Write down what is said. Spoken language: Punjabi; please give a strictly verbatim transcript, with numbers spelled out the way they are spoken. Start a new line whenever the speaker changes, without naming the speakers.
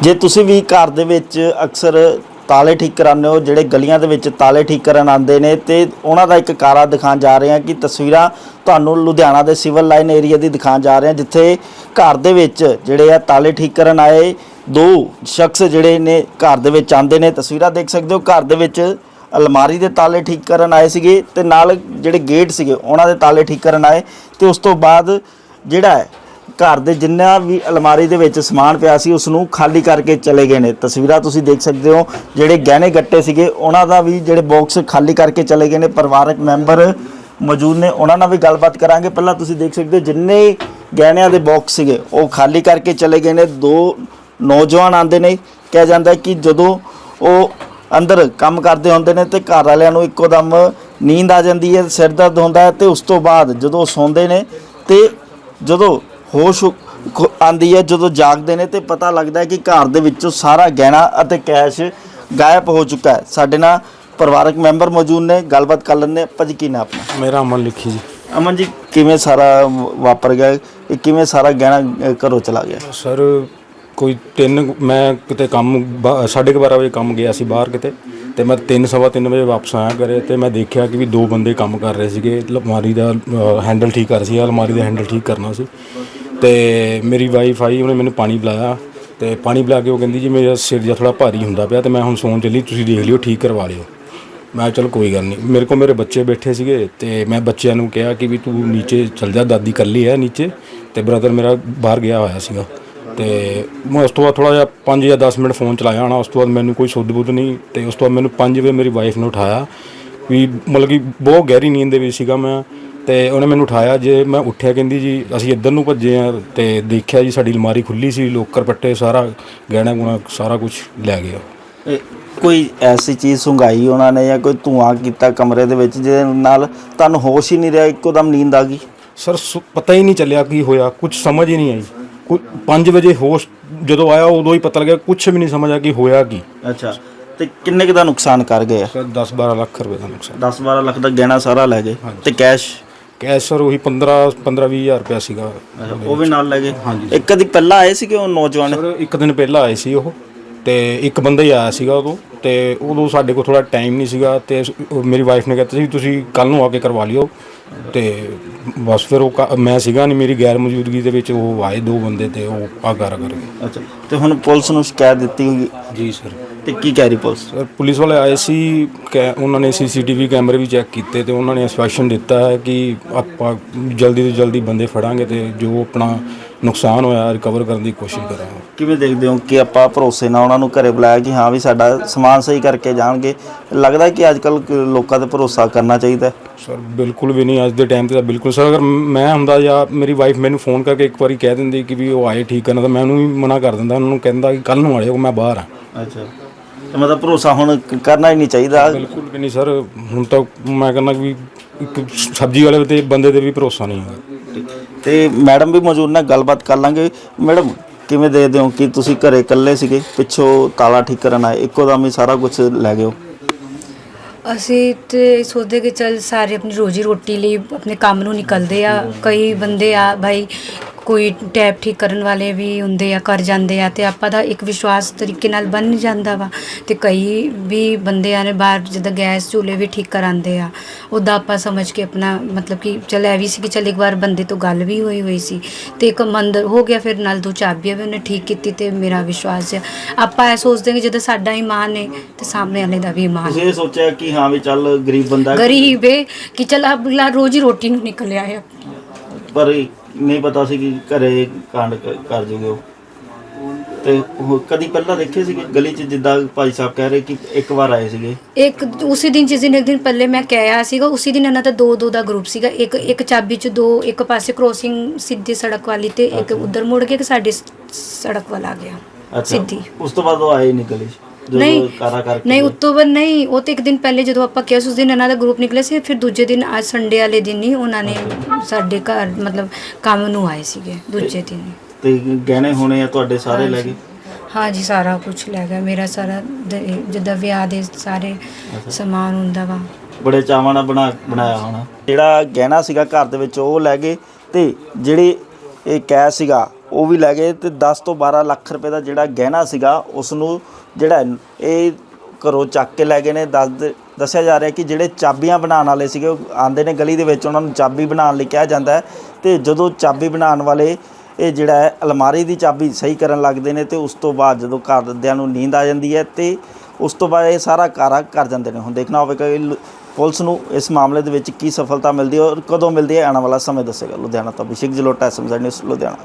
जे तुसी भी घर दे विच अक्सर ताले ठीक कराने हो, ਜਿਹੜੇ ਗਲੀਆਂ ਦੇ ਵਿੱਚ ਤਾਲੇ ਠੀਕ ਕਰਨ ਆਉਂਦੇ ਨੇ ਤੇ ਉਹਨਾਂ ਦਾ ਇੱਕ ਕਾਰਾ ਦਿਖਾਉਣ ਜਾ ਰਹੇ ਹਾਂ ਕਿ ਤਸਵੀਰਾਂ ਤੁਹਾਨੂੰ ਲੁਧਿਆਣਾ ਦੇ ਸਿਵਲ ਲਾਈਨ ਏਰੀਆ ਦੀ ਦਿਖਾਉਣ ਜਾ ਰਹੇ ਹਾਂ, ਜਿੱਥੇ ਘਰ ਦੇ ਵਿੱਚ ਜਿਹੜੇ ਆ ਤਾਲੇ ਠੀਕ ਕਰਨ ਆਏ ਦੋ ਸ਼ਖਸ ਜਿਹੜੇ ਨੇ ਘਰ ਦੇ ਵਿੱਚ ਆਉਂਦੇ ਨੇ। ਤਸਵੀਰਾਂ ਦੇਖ ਸਕਦੇ ਹੋ, ਘਰ ਦੇ ਵਿੱਚ अलमारी ਦੇ ਤਾਲੇ ਠੀਕ ਕਰਨ ਆਏ ਸੀਗੇ ਤੇ ਨਾਲ ਜਿਹੜੇ ਗੇਟ ਸੀਗੇ ਉਹਨਾਂ ਦੇ ਤਾਲੇ ਠੀਕ ਕਰਨ ਆਏ ਤੇ ਉਸ ਤੋਂ ਬਾਅਦ ਜਿਹੜਾ ਹੈ घर ਦੇ ਜਿੰਨਾ ਵੀ अलमारी ਦੇ ਵਿੱਚ ਸਮਾਨ ਪਿਆ ਸੀ ਉਸ ਨੂੰ ਖਾਲੀ ਕਰਕੇ ਚਲੇ ਗਏ ਨੇ। ਤਸਵੀਰਾਂ ਤੁਸੀਂ ਦੇਖ ਸਕਦੇ ਹੋ, ਜਿਹੜੇ ਗਹਿਣੇ ਗੱਟੇ ਸੀਗੇ ਉਹਨਾਂ ਦਾ ਵੀ ਜਿਹੜੇ ਬਾਕਸ ਖਾਲੀ ਕਰਕੇ ਚਲੇ ਗਏ ਨੇ। ਪਰਿਵਾਰਕ ਮੈਂਬਰ ਮੌਜੂਦ ਨੇ, ਉਹਨਾਂ ਨਾਲ ਵੀ ਗੱਲਬਾਤ ਕਰਾਂਗੇ। ਪਹਿਲਾਂ ਤੁਸੀਂ ਦੇਖ ਸਕਦੇ ਹੋ ਜਿੰਨੇ ਗਹਿਣਿਆਂ ਦੇ ਬਾਕਸ ਸੀਗੇ ਉਹ ਖਾਲੀ ਕਰਕੇ ਚਲੇ ਗਏ ਨੇ। ਦੋ ਨੌਜਵਾਨ ਆਂਦੇ ਨੇ, ਕਿਹਾ ਜਾਂਦਾ ਕਿ ਜਦੋਂ ਉਹ ਅੰਦਰ ਕੰਮ ਕਰਦੇ ਹੁੰਦੇ ਨੇ ਤੇ ਘਰ ਵਾਲਿਆਂ ਨੂੰ ਇੱਕੋ ਦਮ ਨੀਂਦ ਆ ਜਾਂਦੀ ਹੈ, ਸਿਰ ਦਰਦ ਹੁੰਦਾ ਹੈ ਤੇ ਉਸ ਤੋਂ ਬਾਅਦ ਜਦੋਂ ਸੌਂਦੇ ਨੇ ਤੇ ਜਦੋਂ ਹੋਸ਼ ਆਉਂਦੀ ਹੈ, ਜਦੋਂ ਜਾਗਦੇ ਨੇ ਤੇ ਪਤਾ ਲੱਗਦਾ ਹੈ ਕਿ ਘਰ ਦੇ ਵਿੱਚੋਂ ਸਾਰਾ ਗਹਿਣਾ ਅਤੇ ਕੈਸ਼ ਗਾਇਬ ਹੋ ਚੁੱਕਾ ਹੈ। ਸਾਡੇ ਨਾਲ ਪਰਿਵਾਰਕ ਮੈਂਬਰ ਮੌਜੂਦ ਨੇ, ਗੱਲਬਾਤ ਕਰ ਲੈਂਦੇ। ਭਾਜੀ ਕੀ ਨਾਮ ਆਪਣਾ?
ਮੇਰਾ ਅਮਨ ਲਿਖੀ ਜੀ।
ਅਮਨ ਜੀ, ਕਿਵੇਂ ਸਾਰਾ ਵਾਪਰ ਗਿਆ, ਇਹ ਕਿਵੇਂ ਸਾਰਾ ਗਹਿਣਾ ਘਰੋਂ ਚਲਾ ਗਿਆ?
ਸਰ ਕੋਈ ਤਿੰਨ ਮੈਂ ਕਿਤੇ ਕੰਮ ਸਾਢੇ ਕੁ ਬਾਰਾਂ ਵਜੇ ਕੰਮ ਗਿਆ ਸੀ ਬਾਹਰ ਕਿਤੇ, ਤੇ ਮੈਂ ਤਿੰਨ ਸਵਾ ਤਿੰਨ ਵਜੇ ਵਾਪਸ ਆਇਆ ਘਰੇ ਤੇ ਮੈਂ ਦੇਖਿਆ ਕਿ ਵੀ ਦੋ ਬੰਦੇ ਕੰਮ ਕਰ ਰਹੇ ਸੀਗੇ। ਅਲਮਾਰੀ ਦਾ ਹੈਂਡਲ ਠੀਕ ਕਰ ਸੀ, ਅਲਮਾਰੀ ਦਾ ਹੈਂਡਲ ਠੀਕ ਕਰਨਾ ਸੀ ਤੇ ਮੇਰੀ ਵਾਈਫ ਆਈ, ਉਹਨੇ ਮੈਨੂੰ ਪਾਣੀ ਪਿਲਾਇਆ ਤੇ ਪਾਣੀ ਪਿਲਾ ਕੇ ਉਹ ਕਹਿੰਦੀ ਜੀ ਮੇਰਾ ਸਿਰ ਜਿਹਾ ਥੋੜ੍ਹਾ ਭਾਰੀ ਹੁੰਦਾ ਪਿਆ ਤੇ ਮੈਂ ਹੁਣ ਸੌਣ ਚੱਲੀ, ਤੁਸੀਂ ਦੇਖ ਲਿਓ ਠੀਕ ਕਰਵਾ ਲਿਓ। ਮੈਂ ਚਲ ਕੋਈ ਗੱਲ ਨਹੀਂ। ਮੇਰੇ ਕੋਲ ਮੇਰੇ ਬੱਚੇ ਬੈਠੇ ਸੀਗੇ ਤੇ ਮੈਂ ਬੱਚਿਆਂ ਨੂੰ ਕਿਹਾ ਕਿ ਵੀ ਤੂੰ ਨੀਚੇ ਚੱਲ ਜਾ, ਦਾਦੀ ਇਕੱਲੀ ਹੈ ਨੀਚੇ ਤੇ ਬ੍ਰਦਰ ਮੇਰਾ ਬਾਹਰ ਗਿਆ ਹੋਇਆ ਸੀਗਾ। ਤੇ ਮੈਂ ਉਸ ਤੋਂ ਬਾਅਦ ਥੋੜ੍ਹਾ ਜਿਹਾ ਪੰਜ ਜਾਂ ਦਸ ਮਿੰਟ ਫ਼ੋਨ ਚਲਾਇਆ ਹੋਣਾ। ਉਸ ਤੋਂ ਬਾਅਦ ਮੈਨੂੰ ਕੋਈ ਸੁੱਧ ਬੁੱਧ ਨਹੀਂ ਤੇ ਉਸ ਤੋਂ ਬਾਅਦ ਮੈਨੂੰ ਪੰਜ ਵਜੇ ਮੇਰੀ ਵਾਈਫ ਨੇ ਉਠਾਇਆ, ਵੀ ਮਤਲਬ ਕਿ ਬਹੁਤ ਗਹਿਰੀ ਨੀਂਦ ਦੇ ਵਿੱਚ ਸੀਗਾ ਮੈਂ, ਤੇ ਉਹਨੇ ਮੈਨੂੰ ਉਠਾਇਆ। ਜੇ ਮੈਂ ਉੱਠਿਆ ਕਹਿੰਦੀ ਜੀ ਅਸੀਂ ਇੱਧਰ ਨੂੰ ਭੱਜੇ ਹਾਂ ਤੇ ਦੇਖਿਆ ਜੀ ਸਾਡੀ ਅਲਮਾਰੀ ਖੁੱਲ੍ਹੀ ਸੀ, ਲੋਕਰ ਪੱਟੇ ਸਾਰਾ ਗਹਿਣਾ ਗੁਣਾ ਸਾਰਾ ਕੁਛ ਲੈ ਗਿਆ।
ਕੋਈ ਐਸੀ ਚੀਜ਼ ਸੁੰਘਾਈ ਉਹਨਾਂ ਨੇ ਜਾਂ ਕੋਈ ਧੂੰਆਂ ਕੀਤਾ ਕਮਰੇ ਦੇ ਵਿੱਚ ਜਿਹਦੇ ਨਾਲ ਤੁਹਾਨੂੰ ਹੋਸ਼ ਹੀ ਨਹੀਂ ਰਿਹਾ, ਇੱਕੋ ਦਮ ਨੀਂਦ ਆ ਗਈ?
ਸਰ ਪਤਾ ਹੀ ਨਹੀਂ ਚੱਲਿਆ ਕੀ ਹੋਇਆ, ਕੁਝ ਸਮਝ ਹੀ ਨਹੀਂ ਆਈ। ਕੁ ਪੰਜ ਵਜੇ ਹੋਸ਼ ਜਦੋਂ ਆਇਆ ਉਦੋਂ ਹੀ ਪਤਾ ਲੱਗਿਆ, ਕੁਛ ਵੀ ਨਹੀਂ ਸਮਝ ਆ ਕਿ ਹੋਇਆ ਕੀ।
ਅੱਛਾ, ਤੇ ਕਿੰਨੇ ਕੁ ਦਾ ਨੁਕਸਾਨ ਕਰ ਗਏ?
ਸਰ ਦਸ ਬਾਰਾਂ ਲੱਖ ਰੁਪਏ ਦਾ ਨੁਕਸਾਨ।
ਦਸ ਬਾਰਾਂ ਲੱਖ ਦਾ ਗਹਿਣਾ ਸਾਰਾ ਲੈ ਗਏ ਤੇ ਕੈਸ਼?
ਕੈਸ਼ ਸਰ ਉਹੀ ਪੰਦਰਾਂ ਪੰਦਰਾਂ ਵੀਹ ਹਜ਼ਾਰ ਰੁਪਇਆ ਸੀਗਾ,
ਉਹ ਵੀ ਨਾਲ ਲੈ ਗਏ।
ਹਾਂਜੀ।
ਇੱਕ ਕਦੀ ਪਹਿਲਾਂ ਆਏ ਸੀਗੇ ਉਹ ਨੌਜਵਾਨ?
ਸਰ ਇੱਕ ਦਿਨ ਪਹਿਲਾਂ ਆਏ ਸੀ ਉਹ, ਤੇ ਇੱਕ ਬੰਦਾ ਹੀ ਆਇਆ ਸੀਗਾ ਉਦੋਂ, ਤੇ ਉਦੋਂ ਸਾਡੇ ਕੋਲ ਥੋੜ੍ਹਾ ਟਾਈਮ ਨਹੀਂ ਸੀਗਾ ਤੇ ਮੇਰੀ ਵਾਈਫ ਨੇ ਕਹਿਤਾ ਸੀ ਤੁਸੀਂ ਕੱਲ੍ਹ ਨੂੰ ਆ ਕੇ ਕਰਵਾ ਲਿਓ। ਤੇ ਬਸ ਫਿਰ ਉਹ ਮੈਂ ਸੀਗਾ ਨਹੀਂ, ਮੇਰੀ ਗੈਰ ਮੌਜੂਦਗੀ ਦੇ ਵਿੱਚ ਉਹ ਆਏ ਦੋ ਬੰਦੇ ਤੇ ਉਹ ਆ ਕਰ ਕਰ ਗਏ।
ਅੱਛਾ, ਤੇ ਹੁਣ ਪੁਲਿਸ ਨੂੰ ਸ਼ਿਕਾਇਤ ਦਿੱਤੀ ਹੋਈ?
ਜੀ ਸਰ।
ਤੇ ਕੀ ਕਹਿ ਰਹੀ ਪੁਲਿਸ?
ਸਰ ਪੁਲਿਸ ਵਾਲੇ ਆਏ ਸੀ, ਉਹਨਾਂ ਨੇ ਸੀ ਸੀ ਟੀ ਵੀ ਕੈਮਰੇ ਵੀ ਚੈੱਕ ਕੀਤੇ ਤੇ ਉਹਨਾਂ ਨੇ ਆਸ਼ਵਾਸਨ ਦਿੱਤਾ ਹੈ ਕਿ ਆਪਾਂ ਜਲਦੀ ਤੋਂ ਜਲਦੀ ਬੰਦੇ ਫੜਾਂਗੇ ਤੇ ਜੋ ਆਪਣਾ ਨੁਕਸਾਨ ਹੋਇਆ ਰਿਕਵਰ ਕਰਨ ਦੀ ਕੋਸ਼ਿਸ਼ ਕਰਾਂਗੇ। ਕਿਵੇਂ
ਦੇਖਦੇ ਹੋ ਕਿ ਆਪਾਂ ਭਰੋਸੇ ਨਾਲ ਉਹਨਾਂ ਨੂੰ ਘਰੇ ਬੁਲਾਇਆ ਕਿ ਹਾਂ ਵੀ ਸਾਡਾ ਸਮਾਨ ਸਹੀ ਕਰਕੇ ਜਾਣਗੇ? ਲੱਗਦਾ ਕਿ ਅੱਜ ਕੱਲ੍ਹ ਲੋਕਾਂ 'ਤੇ ਭਰੋਸਾ ਕਰਨਾ ਚਾਹੀਦਾ?
ਸਰ ਬਿਲਕੁਲ ਵੀ ਨਹੀਂ, ਅੱਜ ਦੇ ਟਾਈਮ 'ਤੇ ਤਾਂ ਬਿਲਕੁਲ। ਸਰ ਅਗਰ ਮੈਂ ਹੁੰਦਾ ਜਾਂ ਮੇਰੀ ਵਾਈਫ ਮੈਨੂੰ ਫੋਨ ਕਰਕੇ ਇੱਕ ਵਾਰੀ ਕਹਿ ਦਿੰਦੀ ਕਿ ਵੀ ਉਹ ਆਏ ਠੀਕ ਕਰਨਾ, ਤਾਂ ਮੈਂ ਉਹਨੂੰ ਵੀ ਮਨਾ ਕਰ ਦਿੰਦਾ, ਉਹਨਾਂ ਨੂੰ ਕਹਿੰਦਾ ਕਿ ਕੱਲ੍ਹ ਨੂੰ ਆਇਓ, ਮੈਂ ਬਾਹਰ ਹਾਂ।
ਅੱਛਾ, ਤੇ ਮਤਲਬ ਭਰੋਸਾ ਹੁਣ ਕਰਨਾ ਹੀ ਨਹੀਂ ਚਾਹੀਦਾ?
ਬਿਲਕੁਲ ਵੀ ਨਹੀਂ ਸਰ, ਹੁਣ ਤਾਂ ਮੈਂ ਕਹਿੰਦਾ ਵੀ ਇੱਕ ਸਬਜ਼ੀ ਵਾਲੇ ਤੇ ਬੰਦੇ 'ਤੇ ਵੀ ਭਰੋਸਾ ਨਹੀਂ ਹੈਗਾ।
ਤੇ ਮੈਡਮ ਵੀ ਮੌਜੂਦ ਨੇ, ਗੱਲਬਾਤ ਕਰ ਲਾਂਗੇ। ਮੈਡਮ ਕਿਵੇਂ ਦੇਖਦੇ ਹੋ ਕਿ ਤੁਸੀਂ ਘਰੇ ਇਕੱਲੇ ਸੀਗੇ, ਪਿੱਛੋਂ ਤਾਲਾ ਠੀਕ ਕਰਨ ਆਏ, ਇੱਕੋ ਦਮ ਹੀ ਸਾਰਾ ਕੁਝ ਲੈ ਗਏ?
ਅਸੀਂ ਤੇ ਸੋਚਦੇ ਕਿ ਚੱਲ ਸਾਰੇ ਆਪਣੀ ਰੋਜੀ ਰੋਟੀ ਲਈ ਆਪਣੇ ਕੰਮ ਨੂੰ ਨਿਕਲਦੇ ਆ। ਕਈ ਬੰਦੇ ਆ ਭਾਈ, ਕੋਈ ਟੈਪ ਠੀਕ ਕਰਨ ਵਾਲੇ ਵੀ ਹੁੰਦੇ ਆ, ਕਰ ਜਾਂਦੇ ਆ ਤੇ ਆਪਾਂ ਦਾ ਇੱਕ ਵਿਸ਼ਵਾਸ ਤਰੀਕੇ ਨਾਲ ਬਣ ਜਾਂਦਾ ਵਾ। ਤੇ ਕਈ ਵੀ ਬੰਦੇ ਆ ਨੇ ਬਾਹਰ ਜਿੱਦਾਂ ਗੈਸ ਚੁੱਲ੍ਹੇ ਵੀ ਠੀਕ ਕਰਾਉਂਦੇ ਆ, ਉੱਦਾਂ ਆਪਾਂ ਸਮਝ ਕੇ ਆਪਣਾ ਮਤਲਬ ਕਿ ਚੱਲ ਇਹ ਵੀ ਸੀ ਕਿ ਚੱਲ ਇੱਕ ਵਾਰ ਬੰਦੇ ਤੋਂ ਗੱਲ ਵੀ ਹੋਈ ਹੋਈ ਸੀ ਤੇ ਇੱਕ ਮੰਦਰ ਹੋ ਗਿਆ, ਫਿਰ ਨਾਲ ਦੋ ਚਾਬੀਆਂ ਵੀ ਉਹਨੇ ਠੀਕ ਕੀਤੀ ਤੇ ਮੇਰਾ ਵਿਸ਼ਵਾਸ ਹੈ। ਆਪਾਂ ਇਹ ਸੋਚਦੇ ਕਿ ਜਦੋਂ ਸਾਡਾ ਇਮਾਨ ਹੈ ਤੇ ਸਾਹਮਣੇ ਵਾਲੇ ਦਾ ਵੀ ਇਮਾਨ।
ਤੁਸੀਂ ਇਹ ਸੋਚਿਆ ਕਿ ਹਾਂ ਵੀ ਚੱਲ ਗਰੀਬ ਬੰਦਾ,
ਗਰੀਬ ਹੈ ਕਿ ਚੱਲ ਅਗਲਾ ਰੋਜੀ ਰੋਟੀ ਨੂੰ ਨਿਕਲਿਆ ਹੈ,
ਪਰ ਨਹੀਂ ਪਤਾ ਸੀ ਕਿ ਘਰੇ ਕਾਂਡ ਕਰ ਜੂਗੇ ਉਹ। ਤੇ ਕਦੀ ਪਹਿਲਾਂ ਦੇਖੇ ਸੀਗੇ ਗਲੀ 'ਚ, ਜਿੱਦਾਂ ਭਾਈ ਸਾਹਿਬ ਕਹਿ ਰਹੇ ਕਿ ਇੱਕ ਵਾਰ ਆਏ ਸੀਗੇ?
ਇੱਕ ਉਸੇ ਦਿਨ ਜਿਸ ਦਿਨ ਇੱਕ ਦਿਨ ਪਹਿਲੇ ਮੈਂ ਕਿਹਾ ਸੀਗਾ, ਉਸੇ ਦਿਨ ਇਹਨਾਂ ਦਾ ਦੋ ਦੋ ਦਾ ਗਰੁੱਪ ਸੀਗਾ। ਇੱਕ ਇੱਕ ਚਾਬੀ 'ਚ ਦੋ, ਇੱਕ ਪਾਸੇ ਕ੍ਰੋਸਿੰਗ ਸਿੱਧੀ ਸੜਕ ਵਾਲੀ ਤੇ ਇੱਕ ਉਧਰ ਮੁੜ ਕੇ ਇੱਕ ਸਾਡੀ ਸੜਕ ਵੱਲ ਆ ਗਿਆ ਸਿੱਧੀ।
ਉਸ ਤੋਂ ਬਾਅਦ ਉਹ ਆਏ ਨਹੀਂ ਗਲੀ 'ਚ?
ਨਹੀਂ ਨਹੀਂ ਉਸ ਤੋਂ ਬਾਅਦ ਨਹੀਂ, ਉਹ ਤੇ ਇੱਕ ਦਿਨ ਪਹਿਲੇ ਜਦੋਂ ਆਪਾਂ ਕਿਹਾ ਉਸ ਦਿਨ ਇਹਨਾਂ ਦਾ ਗਰੁੱਪ ਨਿਕਲਿਆ ਸੀ। ਫਿਰ ਦੂਜੇ ਦਿਨ ਅੱਜ ਸੰਡੇ ਵਾਲੇ ਦਿਨ ਹੀ ਉਹਨਾਂ ਨੇ ਸਾਡੇ ਘਰ ਮਤਲਬ ਕੰਮ ਨੂੰ ਆਏ ਸੀਗੇ ਦੂਜੇ ਦਿਨ।
ਤੇ ਗਹਿਣੇ ਹੋਣੇ ਆ ਤੁਹਾਡੇ ਸਾਰੇ ਲੈ ਗਏ?
ਹਾਂ ਜੀ, ਸਾਰਾ ਕੁਝ ਲੈ ਗਿਆ ਮੇਰਾ, ਸਾਰਾ ਜਿੱਦਾਂ ਵਿਆਹ ਦੇ ਸਾਰੇ ਸਮਾਨ ਹੁੰਦਾ ਵਾ।
ਬੜੇ ਚਾਵਾਂ ਨਾਲ ਬਣਾ ਬਣਾਇਆ ਹੋਣਾ। ਜਿਹੜਾ ਗਹਿਣਾ ਸੀਗਾ ਘਰ ਦੇ ਵਿੱਚ ਉਹ ਲੈ ਗਏ ਤੇ ਜਿਹੜੇ ਇਹ ਕੈਸ਼ ਸੀਗਾ ਉਹ ਵੀ ਲੈ ਗਏ ਤੇ ਦਸ ਤੋਂ ਬਾਰਾਂ ਲੱਖ ਰੁਪਏ ਦਾ ਜਿਹੜਾ ਗਹਿਣਾ ਸੀਗਾ ਉਸ ਨੂੰ ਜਿਹੜਾ ਇਹ ਘਰੋਂ ਚੱਕ ਕੇ ਲੈ ਗਏ ਨੇ। ਦੱਸ ਦੱਸਿਆ ਜਾ ਰਿਹਾ ਕਿ ਜਿਹੜੇ ਚਾਬੀਆਂ ਬਣਾਉਣ ਵਾਲੇ ਸੀਗੇ ਉਹ ਆਉਂਦੇ ਨੇ ਗਲੀ ਦੇ ਵਿੱਚ, ਉਹਨਾਂ ਨੂੰ ਚਾਬੀ ਬਣਾਉਣ ਲਈ ਕਿਹਾ ਜਾਂਦਾ ਹੈ ਤੇ ਜਦੋਂ ਚਾਬੀ ਬਣਾਉਣ ਵਾਲੇ ਇਹ ਜਿਹੜਾ ਹੈ ਅਲਮਾਰੀ ਦੀ ਚਾਬੀ ਸਹੀ ਕਰਨ ਲੱਗਦੇ ਨੇ ਤੇ ਉਸ ਤੋਂ ਬਾਅਦ ਜਦੋਂ ਘਰਦਿਆਂ ਨੂੰ ਨੀਂਦ ਆ ਜਾਂਦੀ ਹੈ ਤੇ ਉਸ ਤੋਂ ਬਾਅਦ ਇਹ ਸਾਰਾ ਕਾਰਾ ਕਰ ਜਾਂਦੇ ਨੇ। ਹੁਣ ਦੇਖਣਾ ਹੋਵੇਗਾ ਕਿ ਪੁਲਿਸ ਨੂੰ ਇਸ ਮਾਮਲੇ ਦੇ ਵਿੱਚ ਕੀ ਸਫਲਤਾ ਮਿਲਦੀ ਹੈ ਔਰ ਕਦੋਂ ਮਿਲਦੀ ਹੈ, ਆਉਣ ਵਾਲਾ ਸਮੇਂ ਦੱਸੇਗਾ। ਲੁਧਿਆਣਾ ਤੋਂ Abhishek Jalota, S M Z news Ludhiana.